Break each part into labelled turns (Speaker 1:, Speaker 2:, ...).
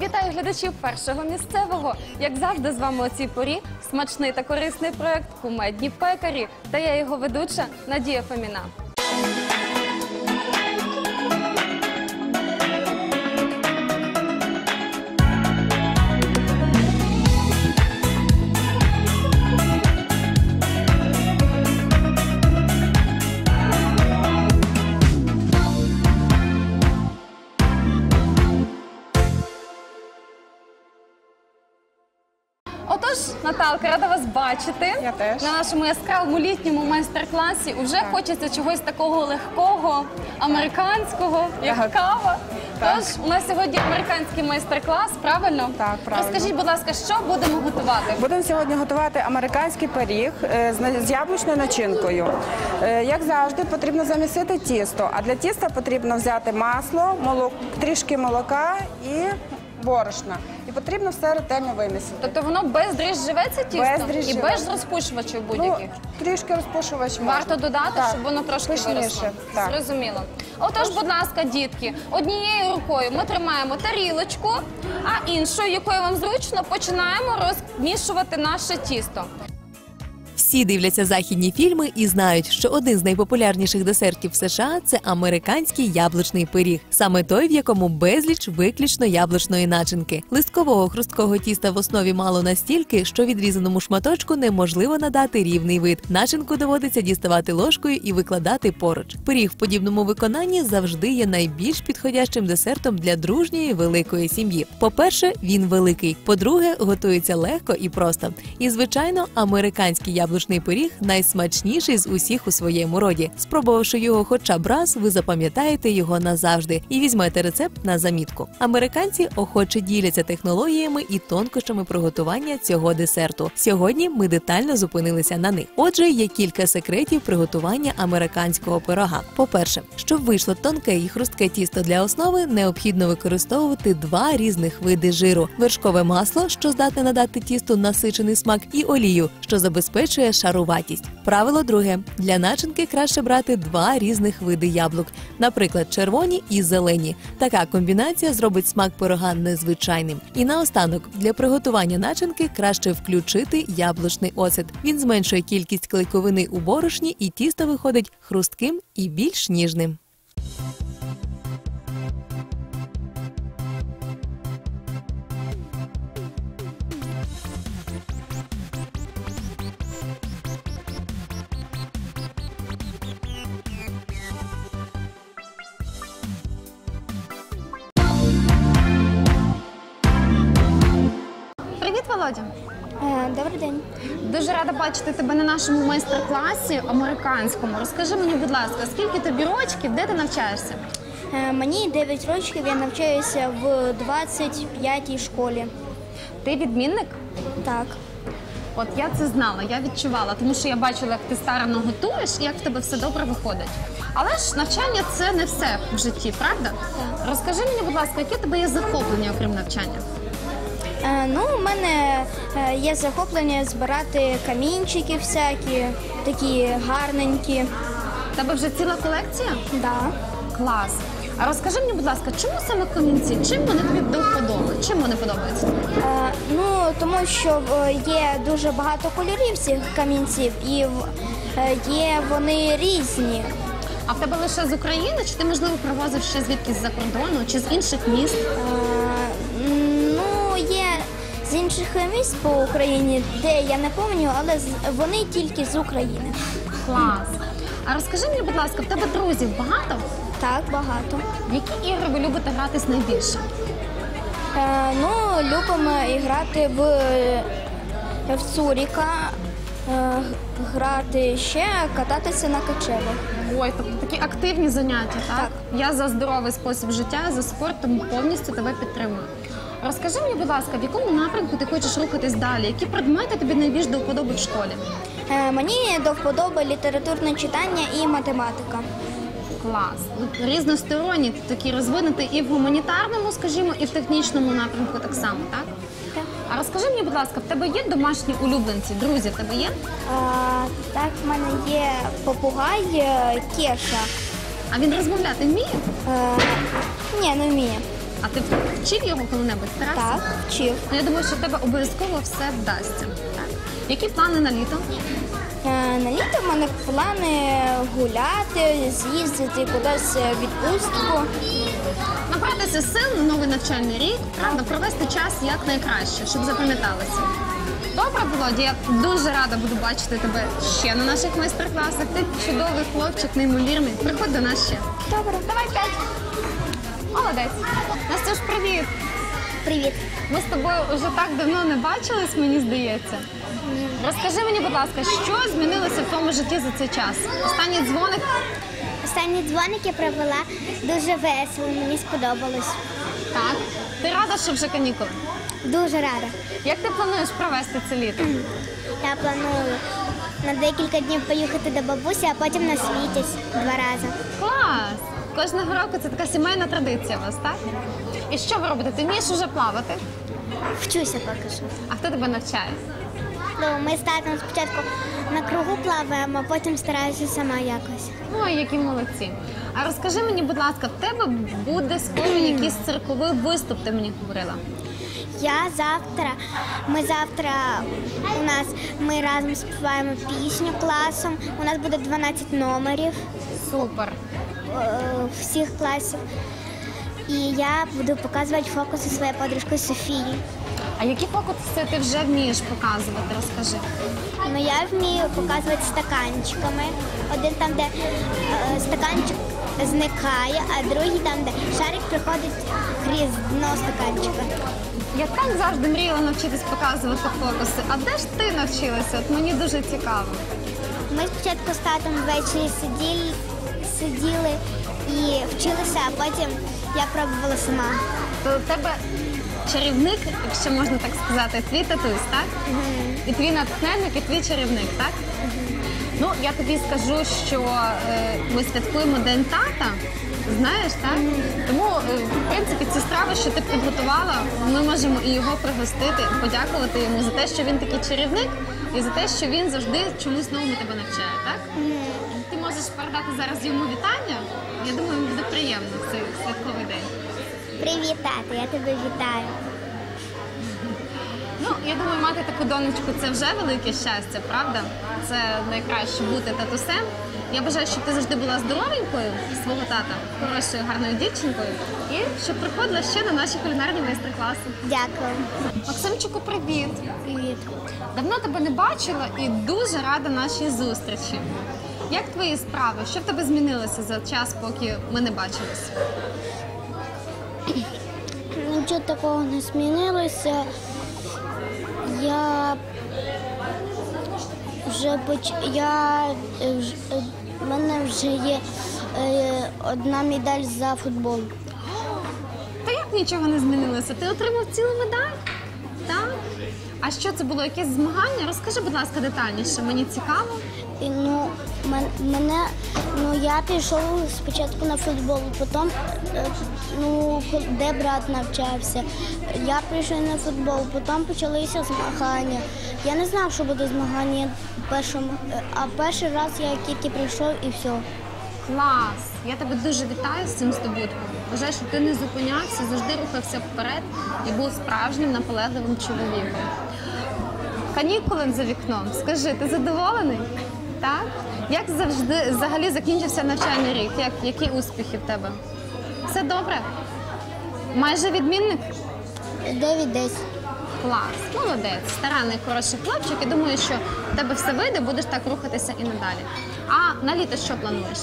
Speaker 1: Вітаю глядачів першого місцевого. Як завжди, з вами о цій порі смачний та корисний проект «Кумедні пекарі». Та я його ведуча Надія Фоміна. Отож, Наталка, рада вас бачити.
Speaker 2: Я теж.
Speaker 1: На нашому яскравому літньому майстер-класі вже хочеться чогось такого легкого, американського, як кава. Тож, у нас сьогодні американський майстер-клас, правильно?
Speaker 2: Так, правильно.
Speaker 1: Розкажіть, будь ласка, що будемо готувати?
Speaker 2: Будемо сьогодні готувати американський пиріг з яблучною начинкою. Як завжди, потрібно замісити тісто, а для тіста потрібно взяти масло, трішки молока і борошна. І потрібно все ретельно вимісити.
Speaker 1: Тобто воно бездріжджеве це тісто?
Speaker 2: Бездріжджеве.
Speaker 1: І без розпушувачів будь-яких?
Speaker 2: Трішки розпушувач можна.
Speaker 1: Варто додати,
Speaker 2: Так,
Speaker 1: щоб воно трошки
Speaker 2: пишніше.
Speaker 1: виросло?
Speaker 2: Так.
Speaker 1: Зрозуміло. Отож, будь ласка, дітки, однією рукою ми тримаємо тарілочку, а іншою, якою вам зручно, починаємо розмішувати наше тісто.
Speaker 3: Всі дивляться західні фільми і знають, що один з найпопулярніших десертів в США – це американський яблучний пиріг. Саме той, в якому безліч виключно яблучної начинки. Листкового хрусткого тіста в основі мало настільки, що відрізаному шматочку неможливо надати рівний вид. Начинку доводиться діставати ложкою і викладати поруч. Пиріг в подібному виконанні завжди є найбільш підходящим десертом для дружньої великої сім'ї. По-перше, він великий. По-друге, готується легко і просто. І, звичайно, американський яблучний пиріг найсмачніший з усіх у своєму роді. Спробувавши його хоча б раз, ви запам'ятаєте його назавжди і візьмете рецепт на замітку. Американці охоче діляться технологіями і тонкощами приготування цього десерту. Сьогодні ми детально зупинилися на них. Отже, є кілька секретів приготування американського пирога. По-перше, щоб вийшло тонке і хрустке тісто для основи, необхідно використовувати два різних види жиру. Вершкове масло, що здатне надати тісту насичений смак, і олію, що забезпечує шаруватість. Правило друге. Для начинки краще брати два різних види яблук, наприклад, червоні і зелені. Така комбінація зробить смак пирога незвичайним. І наостанок, для приготування начинки краще включити яблучний оцет. Він зменшує кількість клейковини у борошні і тісто виходить хрустким і більш ніжним.
Speaker 1: Привіт, Володя!
Speaker 4: Добрий день.
Speaker 1: Дуже рада бачити тебе на нашому майстер-класі американському. Розкажи мені, будь ласка, скільки тобі рочків, де ти навчаєшся?
Speaker 4: Мені 9 років, я навчаюся в 25-й школі.
Speaker 1: Ти відмінник?
Speaker 4: Так.
Speaker 1: От я це знала, я відчувала, тому що я бачила, як ти старанно готуєш і як в тебе все добре виходить. Але ж навчання – це не все в житті, правда?
Speaker 4: Так.
Speaker 1: Розкажи мені, будь ласка, яке в тебе є захоплення, окрім навчання?
Speaker 4: У мене є захоплення збирати камінчики всякі, такі гарненькі.
Speaker 1: В тебе вже ціла колекція?
Speaker 4: Да.
Speaker 1: Клас. А розкажи мені, будь ласка, чому саме камінці? Чим вони тобі до вподоби? Чим вони подобаються?
Speaker 4: Тому що є дуже багато кольорів цих камінців і є вони різні.
Speaker 1: А в тебе лише з України? Чи ти, можливо, привозив ще звідкись з-за кордону, чи з інших міст?
Speaker 4: Є з інших міст по Україні, де я не пам'ятаю, але вони тільки з України.
Speaker 1: Клас. А розкажи мені, будь ласка, в тебе друзів багато?
Speaker 4: Так, багато.
Speaker 1: В які ігри ви любите гратись найбільше?
Speaker 4: Любимо грати в цуріка, грати ще, кататися на качелях.
Speaker 1: Ой, тобто такі активні заняття, так?
Speaker 4: Так.
Speaker 1: Я за здоровий спосіб життя, за спорт, тому повністю тебе підтримую. Розкажи мені, будь ласка, в якому напрямку ти хочеш рухатись далі? Які предмети тобі найбільш до вподоби в школі?
Speaker 4: Мені до вподоби літературне читання і математика.
Speaker 1: Клас. Різносторонні, такі розвинуті і в гуманітарному, скажімо, і в технічному напрямку так само, так?
Speaker 4: Так.
Speaker 1: А розкажи мені, будь ласка, в тебе є домашні улюбленці, друзі в тебе є?
Speaker 4: Так, в мене є попугай Кеша.
Speaker 1: А він розмовляти вміє?
Speaker 4: Ні, не вміє.
Speaker 1: А ти вчив його коли-небудь? Старався?
Speaker 4: Так, вчив.
Speaker 1: Ну, я думаю, що в тебе обов'язково все вдасться. Так. Які плани на літо?
Speaker 4: На літо в мене плани гуляти, з'їздити кудись в відпустку.
Speaker 1: Набратися сил на новий навчальний рік, правда, провести час як найкраще, щоб запам'яталося. Добре, Володя, я дуже рада буду бачити тебе ще на наших майстер-класах. Ти чудовий хлопчик, неймовірний. Приходь до нас ще.
Speaker 4: Добре.
Speaker 1: Давай 5. Молодець. Настюш, привіт.
Speaker 4: Привіт.
Speaker 1: Ми з тобою вже так давно не бачились, мені здається. Розкажи мені, будь ласка, що змінилося в твоєму житті за цей час? Останній дзвоник?
Speaker 4: Останні дзвоники провела дуже весело, мені сподобалось.
Speaker 1: Так. Ти рада, що вже канікули?
Speaker 4: Дуже рада.
Speaker 1: Як ти плануєш провести це літо?
Speaker 4: Я планую на декілька днів поїхати до бабусі, а потім на світязь 2 рази.
Speaker 1: Клас! Кожного року це така сімейна традиція у вас, так? І що ви робите? Ти вмієш уже плавати?
Speaker 4: Вчуся поки що.
Speaker 1: А хто тебе навчає?
Speaker 4: Ну, ми з татом спочатку на кругу плаваємо, а потім стараюся сама якось.
Speaker 1: Ой, які молодці. А розкажи мені, будь ласка, в тебе буде скоро якийсь цирковий виступ, ти мені говорила.
Speaker 4: Ми разом співаємо пісню класом. У нас буде 12 номерів
Speaker 1: Супер.
Speaker 4: всіх класів. І я буду показувати фокуси своєї подружки Софії.
Speaker 1: А які фокуси ти вже вмієш показувати? Розкажи.
Speaker 4: Ну, я вмію показувати стаканчиками. Один там, де стаканчик зникає, а другий там, де шарик приходить крізь дно стаканчика.
Speaker 1: Я так завжди мріяла навчитись показувати фокуси. А де ж ти навчилася? От мені дуже цікаво.
Speaker 4: Ми спочатку з татом ввечері сиділи і вчилися, а потім я пробувала сама.
Speaker 1: То у тебе чарівник, якщо можна так сказати, твій татусь, так? І твій натхненник, і твій чарівник, так? Ну, я тобі скажу, що ми святкуємо День тата, знаєш, так? Тому, в принципі, ці страви, що ти підготувала, ми можемо і його пригостити, і подякувати йому за те, що він такий чарівник, і за те, що він завжди чомусь новому тебе навчає, так? Ти можеш передати зараз йому вітання. Я думаю, йому буде приємно в цей святковий день.
Speaker 4: Привіт, тато, я тебе вітаю.
Speaker 1: Ну, я думаю, мати таку донечку – це вже велике щастя, правда? Це найкраще бути татусем. Я бажаю, щоб ти завжди була здоровенькою свого тата, хорошою, гарною дівчинкою, і щоб приходила ще на наші кулінарні майстер-класи.
Speaker 4: Дякую.
Speaker 1: Максимчику, привіт!
Speaker 4: Привіт.
Speaker 1: Давно тебе не бачила і дуже рада нашій зустрічі. Як твої справи? Що в тебе змінилося за час, поки ми не бачились?
Speaker 4: Нічого такого не змінилося. У мене вже є одна медаль за футбол.
Speaker 1: Та як нічого не змінилося? Ти отримав цілу медаль? Так? А що це було? Якесь змагання? Розкажи, будь ласка, детальніше. Мені цікаво.
Speaker 4: Я пішов спочатку на футбол, потім, де брат навчався. Я прийшов на футбол, потім почалися змагання. Я не знав, що буде змагання а перший раз я тільки прийшов і все.
Speaker 1: Клас! Я тебе дуже вітаю з цим здобутком. Вважаю, що ти не зупинявся, завжди рухався вперед і був справжнім наполегливим чоловіком. Канікули за вікном. Скажи, ти задоволений? Так? Як завжди взагалі закінчився навчальний рік? Які успіхи в тебе? Все добре? Майже відмінник?
Speaker 4: 9-10.
Speaker 1: Клас, молодець, старанний, хороший хлопчик. І думаю, що в тебе все вийде, будеш так рухатися і надалі. А на літо що плануєш?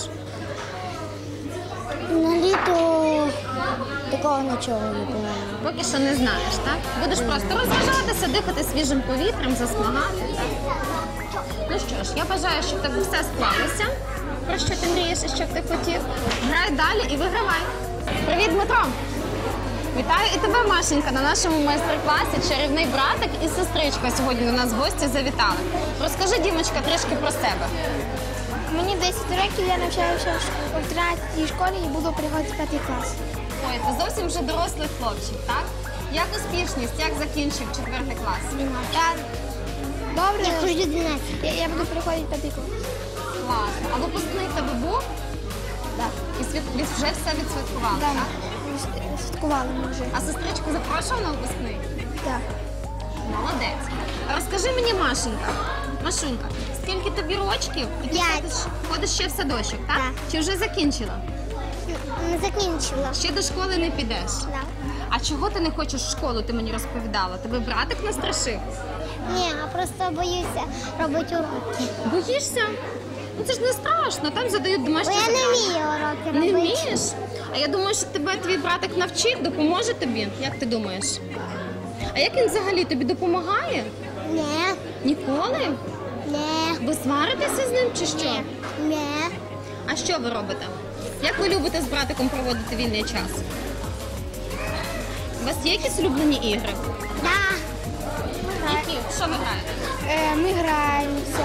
Speaker 4: На літо такого нічого не планую.
Speaker 1: Поки що не знаєш, так? Будеш просто розважатися, дихати свіжим повітрям, засмагати, так? Ну що ж, я бажаю, щоб в тебе все склалося, про що ти мрієш і що б ти хотів. Грай далі і вигравай. Привіт, Дмитро! Вітаю і тебе, Машенька, на нашому майстер-класі. Чарівний братик і сестричка сьогодні до нас в гості завітали. Розкажи, Дімочка, трішки про себе.
Speaker 4: Мені 10 років, я навчаюся в 13-й школі і буду приходити в 5 клас.
Speaker 1: Ой, ти зовсім вже дорослий хлопчик, так? Як успішність, як закінчив 4 клас?
Speaker 4: Добре. Я хочу 12. Я буду приходити в 5 клас.
Speaker 1: Класно. А випускний в тебе був?
Speaker 4: Так.
Speaker 1: І вже все відсвяткували, так?
Speaker 4: святкували ми вже.
Speaker 1: А сестричку запрошував на випускний?
Speaker 4: Так.
Speaker 1: Молодець. Розкажи мені, Машунька, скільки тобі рочків? І ти
Speaker 4: 5.
Speaker 1: ходиш ще в садочок, так?
Speaker 4: Так.
Speaker 1: Чи вже закінчила?
Speaker 4: Не закінчила.
Speaker 1: Ще до школи не підеш.
Speaker 4: Так.
Speaker 1: А чого ти не хочеш в школу, ти мені розповідала? Тебе братик настрашив?
Speaker 4: Ні, а просто боюся робити уроки.
Speaker 1: Боїшся? Ну це ж не страшно, там задають
Speaker 4: Бо
Speaker 1: домашні
Speaker 4: я не
Speaker 1: завдання.
Speaker 4: вмію уроки
Speaker 1: Не
Speaker 4: робити.
Speaker 1: вмієш? А я думаю, що тебе твій братик навчить, допоможе тобі. Як ти думаєш? А як він взагалі тобі допомагає?
Speaker 4: Ні.
Speaker 1: Ніколи?
Speaker 4: Ні.
Speaker 1: Ви сваритеся з ним чи що?
Speaker 4: Ні.
Speaker 1: А що ви робите? Як ви любите з братиком проводити вільний час? У вас є якісь улюблені ігри?
Speaker 4: Так.
Speaker 1: Які? Що ви граєте?
Speaker 4: Ми граємося.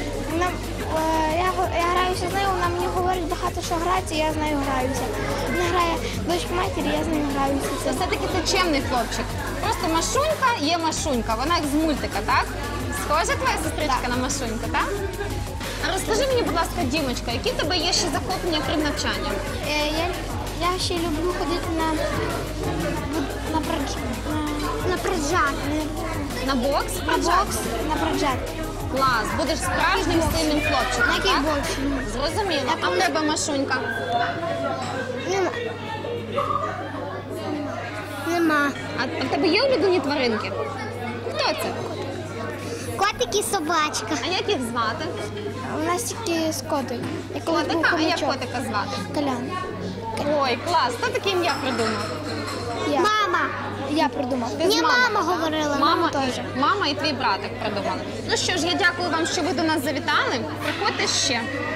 Speaker 4: Я граюся з нею, вона мені говорить багато, що грається, я з нею граюся. Вона грає дочка матері, я з нею граюся.
Speaker 1: Це все-таки ти чемний хлопчик. Просто Машунька є Машунька, вона як з мультика, так? Схожа твоя сестричка на Машуньку, так? А розкажи мені, будь ласка, Дімочка, які в тебе є ще захоплення крім навчання?
Speaker 4: Я ще люблю ходити на проджат.
Speaker 1: На бокс?
Speaker 4: На бокс, на проджат.
Speaker 1: Клас, будеш справжнім сильним хлопчиком,
Speaker 4: На
Speaker 1: так?
Speaker 4: кікбоксі.
Speaker 1: Зрозуміло. А в тебе, Машунька?
Speaker 4: Нема.
Speaker 1: А в тебе є улюблені тваринки? Хто це?
Speaker 4: Котик і собачка.
Speaker 1: А як їх звати?
Speaker 4: У нас тільки з котик.
Speaker 1: Котика? А як котика звати?
Speaker 4: Колян.
Speaker 1: Ой, клас, хто таке ім'я придумав?
Speaker 4: Мама. Я придумав.
Speaker 1: Ти з
Speaker 4: Ні,
Speaker 1: мамою?
Speaker 4: мама говорила, мама теж.
Speaker 1: Мама і твій братик придумали. Ну що ж, я дякую вам, що ви до нас завітали. Приходьте ще.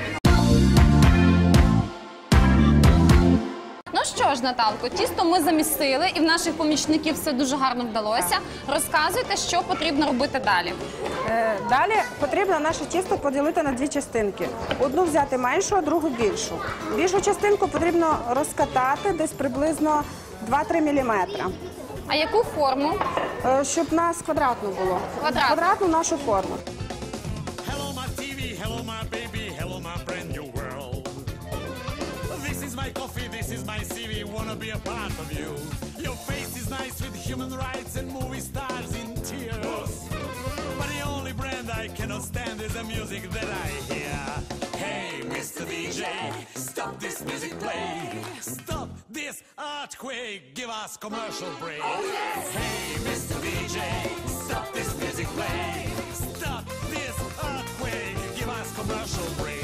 Speaker 1: Ну що ж, Наталко, тісто ми замісили і в наших помічників все дуже гарно вдалося. Розказуйте, що потрібно робити далі.
Speaker 2: Далі потрібно наше тісто поділити на 2 частинки. Одну взяти меншу, а другу більшу. Більшу частинку потрібно розкатати десь приблизно 2-3 мм,
Speaker 1: А яку форму?
Speaker 2: щоб у нас квадратно було.
Speaker 1: Квадратно.
Speaker 2: Квадратну нашу форму.
Speaker 5: Hello, my TV. Hello, my baby. Hello, my brand new world. This is my coffee. This is my CV. Wanna be a part of you. Your face is nice with human rights and movie stars in tears. But the only brand I cannot stand is the music that I hear. Hey, Mr. DJ, stop this music play. Stop this earthquake. Give us commercial break. Hey, Mr. DJ, stop this music play. Stop this earthquake. Give us commercial break.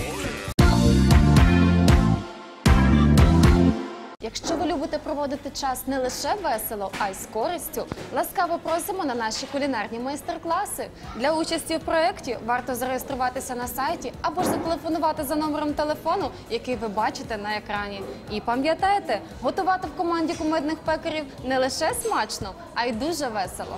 Speaker 1: Якщо ви любите проводити час не лише весело, а й з користю, ласкаво просимо на наші кулінарні майстер-класи. Для участі в проєкті варто зареєструватися на сайті або ж зателефонувати за номером телефону, який ви бачите на екрані. І пам'ятайте, готувати в команді кумедних пекарів не лише смачно, а й дуже весело.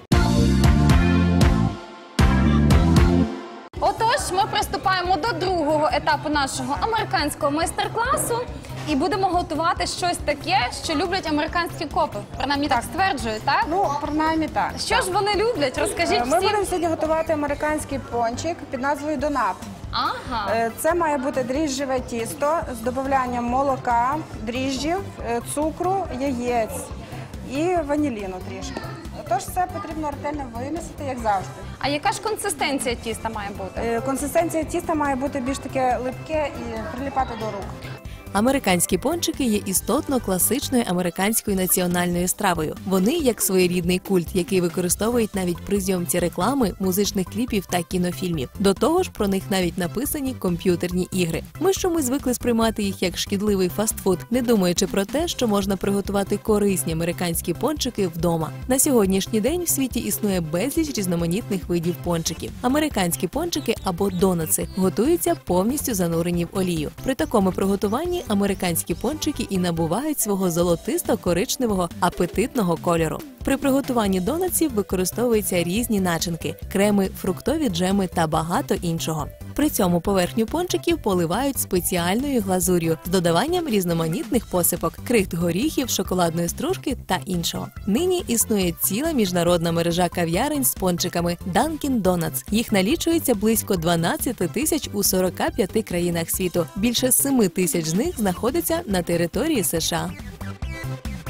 Speaker 1: Отож, ми приступаємо до другого етапу нашого американського майстер-класу і будемо готувати щось таке, що люблять американські копи. Принаймні так стверджують, так?
Speaker 2: Ну, принаймні так.
Speaker 1: Що ж вони люблять? Розкажіть
Speaker 2: Ми будемо
Speaker 1: всім.
Speaker 2: сьогодні готувати американський пончик під назвою донат.
Speaker 1: Ага.
Speaker 2: Це має бути дріжджеве тісто з додаванням молока, дріжджів, цукру, яєць і ваніліну трішки. Тож все потрібно ретельно вимісити, як завжди.
Speaker 1: А яка ж консистенція тіста має бути?
Speaker 2: Консистенція тіста має бути більш таке липке і приліпати до рук.
Speaker 3: Американські пончики є істотно класичною американською національною стравою. Вони як своєрідний культ, який використовують навіть при зйомці реклами, музичних кліпів та кінофільмів. До того ж, про них навіть написані комп'ютерні ігри. Ми ж чомусь звикли сприймати їх як шкідливий фастфуд, не думаючи про те, що можна приготувати корисні американські пончики вдома. На сьогоднішній день в світі існує безліч різноманітних видів пончиків. Американські пончики або донатси готуються повністю занурені в олію. При такому приготуванні американські пончики і набувають свого золотисто-коричневого апетитного кольору. При приготуванні донатсів використовуються різні начинки – креми, фруктові джеми та багато іншого. При цьому поверхню пончиків поливають спеціальною глазур'ю з додаванням різноманітних посипок – крихт горіхів, шоколадної стружки та іншого. Нині існує ціла міжнародна мережа кав'ярень з пончиками Dunkin' Donuts. Їх налічується близько 12 тисяч у 45 країнах світу. Більше 7 тисяч з них знаходяться на території США.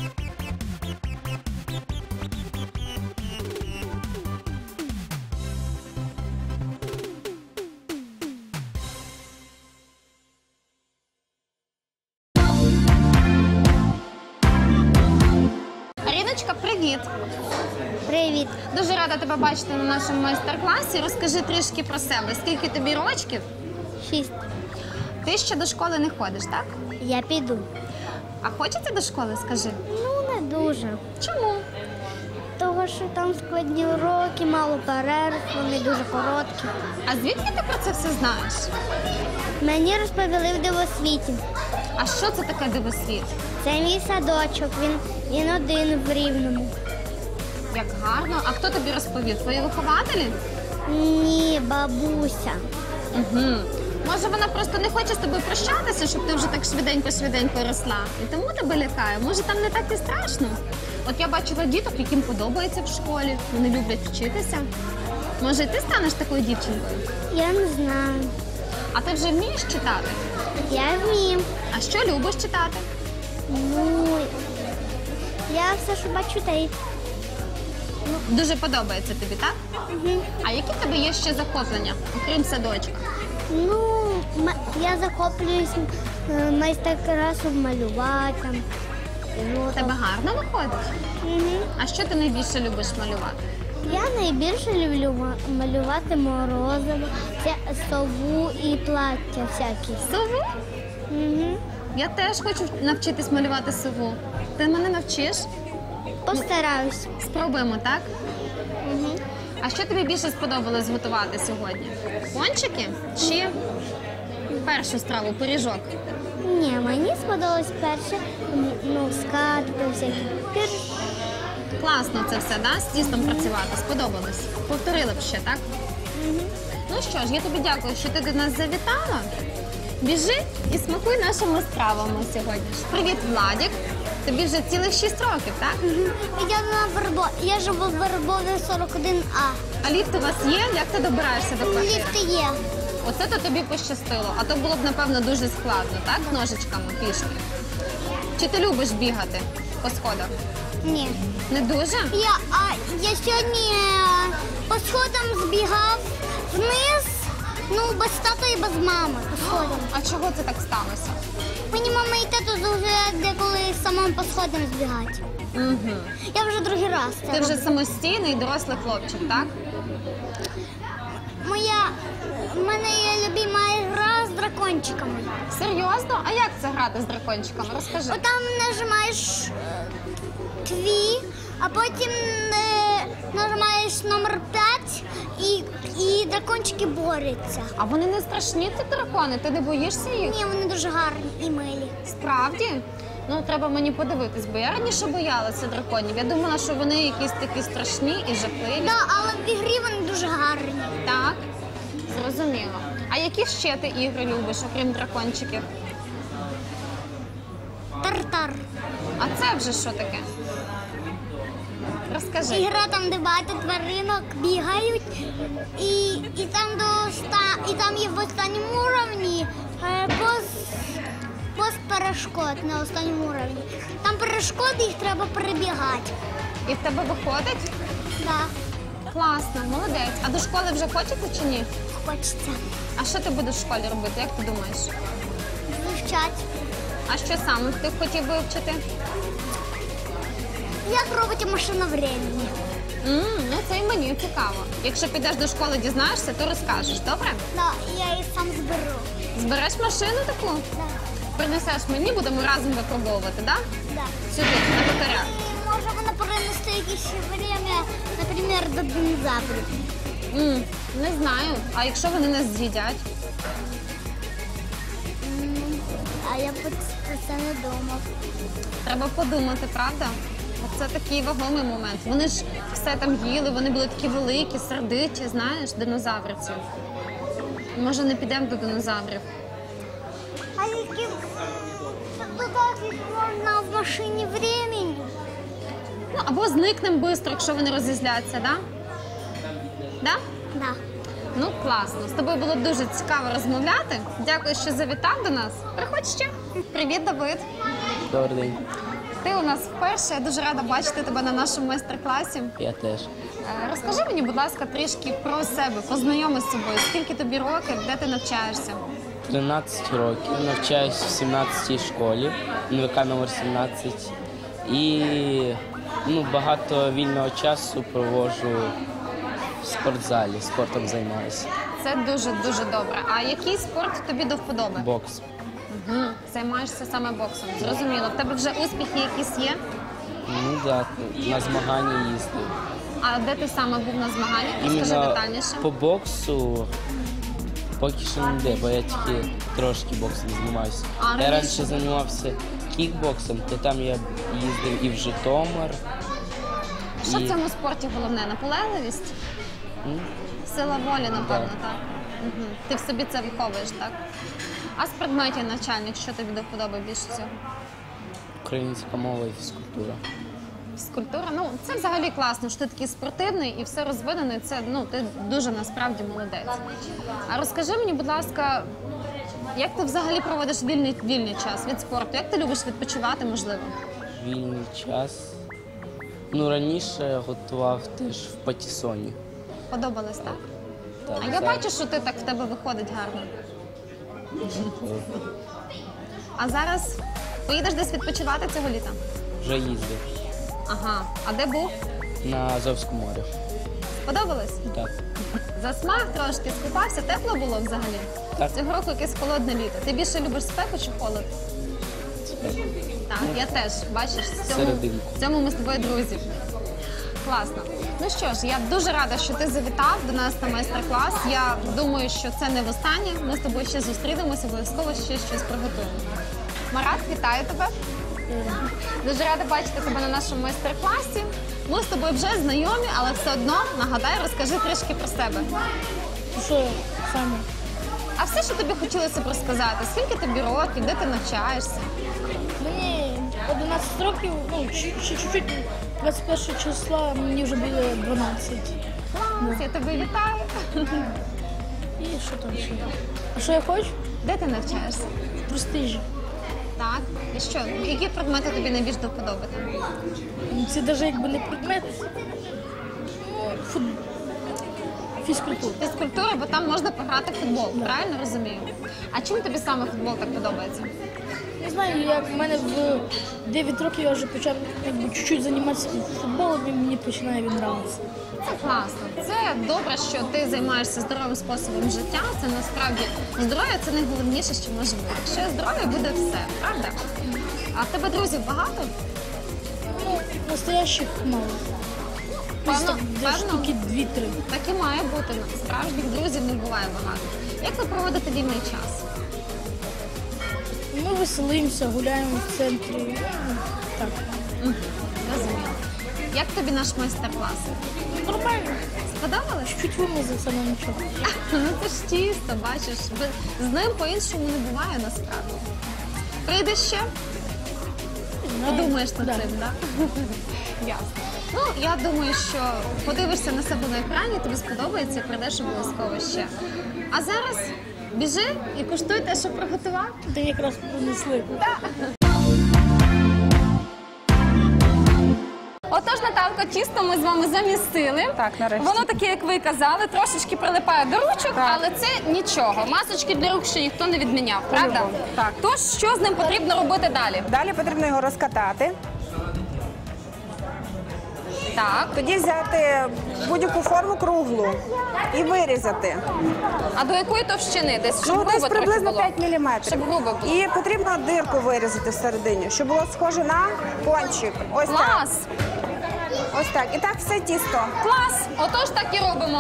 Speaker 1: Сонечка, привіт!
Speaker 4: Привіт.
Speaker 1: Дуже рада тебе бачити на нашому майстер-класі. Розкажи трішки про себе. Скільки тобі рочків?
Speaker 4: 6.
Speaker 1: Ти ще до школи не ходиш, так?
Speaker 4: Я піду.
Speaker 1: А хочеться до школи, скажи?
Speaker 4: Ну, не дуже.
Speaker 1: Чому?
Speaker 4: Того, що там складні уроки, мало перерв, вони дуже короткі.
Speaker 1: А звідки ти про це все знаєш?
Speaker 4: Мені розповіли в дивосвіті.
Speaker 1: А що це таке дивосвіт?
Speaker 4: Це мій садочок, він один в Рівному.
Speaker 1: Як гарно. А хто тобі розповів? Твої вихователі?
Speaker 4: Ні, бабуся.
Speaker 1: Угу. Може, вона просто не хоче з тобою прощатися, щоб ти вже так швиденько росла. І тому тебе лякає. Може, там не так і страшно? От я бачила діток, яким подобається в школі. Вони люблять вчитися. Може, і ти станеш такою дівчинкою?
Speaker 4: Я не знаю.
Speaker 1: А ти вже вмієш читати?
Speaker 4: Я вмію.
Speaker 1: А що любиш читати?
Speaker 4: Ну, я все, що бачу, та й.
Speaker 1: Дуже подобається тобі, так? А які в тебе є ще захоплення, окрім садочка?
Speaker 4: Ну, я захоплююсь майстер-класом малювати.
Speaker 1: У тебе гарно виходить? А що ти найбільше любиш малювати?
Speaker 4: Я найбільше люблю малювати морозиво, сову і плаття всякі.
Speaker 1: Сову?
Speaker 4: Угу.
Speaker 1: Я теж хочу навчитись малювати сову. Ти мене навчиш?
Speaker 4: Постараюсь.
Speaker 1: Спробуємо, так?
Speaker 4: Угу.
Speaker 1: А що тобі більше сподобалось готувати сьогодні? Пончики чи першу страву, пиріжок?
Speaker 4: Ні, мені сподобалось перше, скатки всякі.
Speaker 1: Класно це все, да? З тістом працювати, сподобалось. Повторили б ще, так? Ну що ж, я тобі дякую, що ти до нас завітала. Біжи і смакуй нашими стравами сьогодні. Привіт, Владік. Тобі вже цілих 6 років, так?
Speaker 4: Я живу в Вербові 41А.
Speaker 1: А ліфт у вас є? Як ти добираєшся до квартири?
Speaker 4: Ліфти є.
Speaker 1: Оце то тобі пощастило, а то було б, напевно, дуже складно, так? Ножичками, пішки. Чи ти любиш бігати по сходах?
Speaker 4: Ні.
Speaker 1: Не дуже?
Speaker 4: Я сьогодні по сходам збігав вниз, без тата і без мами по сходам.
Speaker 1: А чого це так сталося?
Speaker 4: Мені мама і тато дозволяють деколи самим по сходам збігати.
Speaker 1: Угу.
Speaker 4: Я вже другий раз це
Speaker 1: Ти вже
Speaker 4: роблю.
Speaker 1: самостійний дорослий хлопчик, так?
Speaker 4: В мене є любима гра з дракончиками.
Speaker 1: Серйозно? А як це грати з дракончиками? Розкажи.
Speaker 4: Отам нажимаєш твій, а потім нажимаєш номер 5 і дракончики борються.
Speaker 1: А вони не страшні, ці дракони? Ти не боїшся їх?
Speaker 4: Ні, вони дуже гарні і милі.
Speaker 1: Справді? Ну, треба мені подивитись, бо я раніше боялася драконів. Я думала, що вони якісь такі страшні і жахливі.
Speaker 4: Так, але в ігрі вони дуже гарні.
Speaker 1: Так, зрозуміло. А які ще ти ігри любиш, окрім дракончиків?
Speaker 4: Тартар.
Speaker 1: А це вже що таке? Розкажи.
Speaker 4: Ігра там, де багато тваринок бігають, і там є в останньому уровні пост перешкод на останньому уровні. Там перешкоди, їх треба перебігати.
Speaker 1: І в тебе виходить?
Speaker 4: Так,
Speaker 1: Класно, молодець. А до школи вже хочеться чи ні?
Speaker 4: хочеться
Speaker 1: А що ти будеш в школі робити, як ти думаєш?
Speaker 4: вивчати.
Speaker 1: А що саме ти б хотів вивчити?
Speaker 4: Як робити машину времени?
Speaker 1: Ну це і мені цікаво. Якщо підеш до школи, дізнаєшся, то розкажеш, добре?
Speaker 4: Так, я її сам зберу.
Speaker 1: Збереш машину таку?
Speaker 4: Так,
Speaker 1: Принесеш мені, будемо разом випробовувати, так?
Speaker 4: так.
Speaker 1: Сюди, на батарях.
Speaker 4: Може вона перенести якесь время, наприклад, до динозаврів.
Speaker 1: Не знаю. А якщо вони нас з'їдять?
Speaker 4: А я про це не думав.
Speaker 1: Треба подумати, правда? Це такий вагомий момент. Вони ж все там їли, вони були такі великі, сердиті, знаєш, динозаврівці. Може, не підемо до динозаврів?
Speaker 4: А яким додати можна в машині времени?
Speaker 1: Ну, або зникнемо швидко, якщо вони розізляться, да? Да?
Speaker 4: Да.
Speaker 1: Ну, класно. З тобою було дуже цікаво розмовляти. Дякую, що завітав до нас. Приходь ще. Привіт, Давид.
Speaker 6: Добрий день.
Speaker 1: Ти у нас вперше. Я дуже рада бачити тебе на нашому майстер-класі.
Speaker 6: Я теж.
Speaker 1: Розкажи мені, будь ласка, трішки про себе. Познайоми з собою. Скільки тобі років, де ти навчаєшся?
Speaker 6: 13 років. Навчаюсь в 17-й школі, НВК номер 17. І Ну, багато вільного часу проводжу в спортзалі, спортом займаюся.
Speaker 1: Це дуже-дуже добре. А який спорт тобі до вподоби?
Speaker 6: Бокс.
Speaker 1: Угу. Займаєшся саме боксом. Зрозуміло. В тебе вже успіхи якісь є?
Speaker 6: Ну так, на змагання їздив.
Speaker 1: А де ти саме був на змаганнях? Розкажи
Speaker 6: Іменно
Speaker 1: детальніше.
Speaker 6: по боксу поки що не де, бо я тільки трошки боксом займаюся.
Speaker 1: А
Speaker 6: Я
Speaker 1: раніше?
Speaker 6: раніше займався кікбоксом, то там я їздив і в Житомир.
Speaker 1: Що
Speaker 6: і-
Speaker 1: в цьому спорті головне? Наполегливість? Сила волі, напевно, так? Угу. Ти в собі це виховуєш, так? А з предметів навчальних, що тобі до вподоби більше всього?
Speaker 6: Українська мова і фізкультура.
Speaker 1: Фізкультура? Ну, це взагалі класно, що ти такий спортивний і все розвинений. Це, ну, ти дуже насправді молодець. А розкажи мені, будь ласка, як ти взагалі проводиш вільний час від спорту? Як ти любиш відпочивати, можливо?
Speaker 6: Вільний час. Ну, раніше я готував теж в патісоні.
Speaker 1: Подобалось, так?
Speaker 6: Так,
Speaker 1: А я
Speaker 6: зараз
Speaker 1: бачу, що ти так в тебе виходить гарно. А зараз поїдеш десь відпочивати цього літа?
Speaker 6: вже їздив
Speaker 1: Ага. А де був?
Speaker 6: на Азовському морі.
Speaker 1: Подобалось?
Speaker 6: Так.
Speaker 1: Засмаг трошки, скупався, тепло було взагалі?
Speaker 6: Так.
Speaker 1: Цього року якесь холодне літо. Ти більше любиш спеку чи холод? Так, я теж, бачиш,
Speaker 6: Серединку.
Speaker 1: в цьому ми з тобою друзі. Класно. Ну що ж, я дуже рада, що ти завітав до нас на майстер-клас. Я думаю, що це не востаннє. Ми з тобою ще зустрінемося, обов'язково ще щось приготуємо. Марат, вітаю тебе. Дуже рада бачити тебе на нашому майстер-класі. Ми з тобою вже знайомі, але все одно, нагадай, розкажи трішки про себе.
Speaker 7: Що саме?
Speaker 1: А все, що тобі хотілося б розказати, скільки тобі років, де ти навчаєшся?
Speaker 7: Мені 11 років, ну, ще чуть-чуть, 21 числа мені вже буде 12.
Speaker 1: Клас, я тебе вітаю.
Speaker 7: І що там ще? А що я хочу?
Speaker 1: Де ти навчаєшся?
Speaker 7: В престижі.
Speaker 1: Так. І що? Які предмети тобі найбільш до вподоби там?
Speaker 7: Це навіть якби не предмет. Ну, фізкультура.
Speaker 1: Фізкультура, бо там можна пограти в футбол, правильно розумію? А чим тобі саме футбол так подобається?
Speaker 7: Не знаю, як в мене в 9 років я вже почав якби чуть-чуть займатися футболом, і мені починає він нравитися.
Speaker 1: Це класно. Це добре, що ти займаєшся здоровим способом життя. Це насправді здоров'я це найголовніше, що може бути. Якщо є здоров'я, буде все, правда? А в тебе друзів багато?
Speaker 7: Ну, настоящих мало.
Speaker 1: Певно,
Speaker 7: Десь штуки 2-3.
Speaker 1: Так і має бути. Справжніх друзів не буває багато. Як ви проводите вільний час?
Speaker 7: Ми веселимося, гуляємо в центрі. Ну, так.
Speaker 1: Розумію. Як тобі наш майстер-клас?
Speaker 7: Нормально.
Speaker 1: Сподобалось?
Speaker 7: Чуть вимазався на нічого.
Speaker 1: Ну це ж чисто, бачиш. З ним по-іншому не буває насправді. Прийдеш ще? Подумаєш над
Speaker 7: Да.
Speaker 1: цим, так? Ясно. Ну, я думаю, що подивишся на себе на екрані, тобі сподобається і прийдеш обов'язково ще. А зараз біжи і куштуй те, що приготував.
Speaker 7: Ти якраз принесли.
Speaker 1: Отож, Наталко, тісто ми з вами замістили.
Speaker 2: Так, нарешті.
Speaker 1: Воно таке, як ви казали, трошечки прилипає до ручок,
Speaker 2: Так.
Speaker 1: але це нічого. Масочки для рук ще ніхто не відміняв, правда?
Speaker 2: Так.
Speaker 1: Тож, що з ним потрібно робити далі?
Speaker 2: Далі потрібно його розкатати.
Speaker 1: Так.
Speaker 2: Тоді взяти будь-яку форму круглу і вирізати.
Speaker 1: А до якої товщини? Десь, щоб
Speaker 2: Ну,
Speaker 1: грубо
Speaker 2: десь
Speaker 1: трохи
Speaker 2: приблизно
Speaker 1: було?
Speaker 2: 5 мм.
Speaker 1: Щоб грубо було.
Speaker 2: І потрібно дирку вирізати всередині, щоб було схоже на кончик. Ось так.
Speaker 1: Клас!
Speaker 2: Ось так. І так все тісто.
Speaker 1: Клас! Отож так і робимо.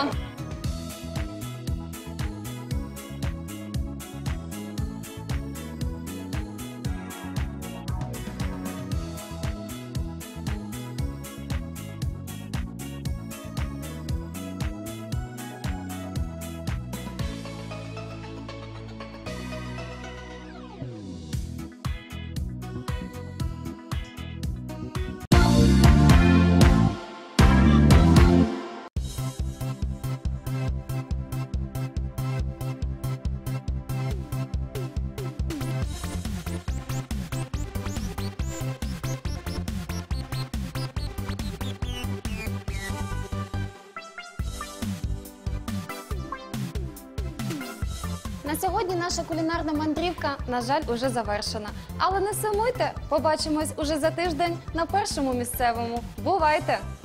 Speaker 1: На сьогодні наша кулінарна мандрівка, на жаль, уже завершена. Але не сумуйте, побачимось уже за тиждень на першому місцевому. Бувайте!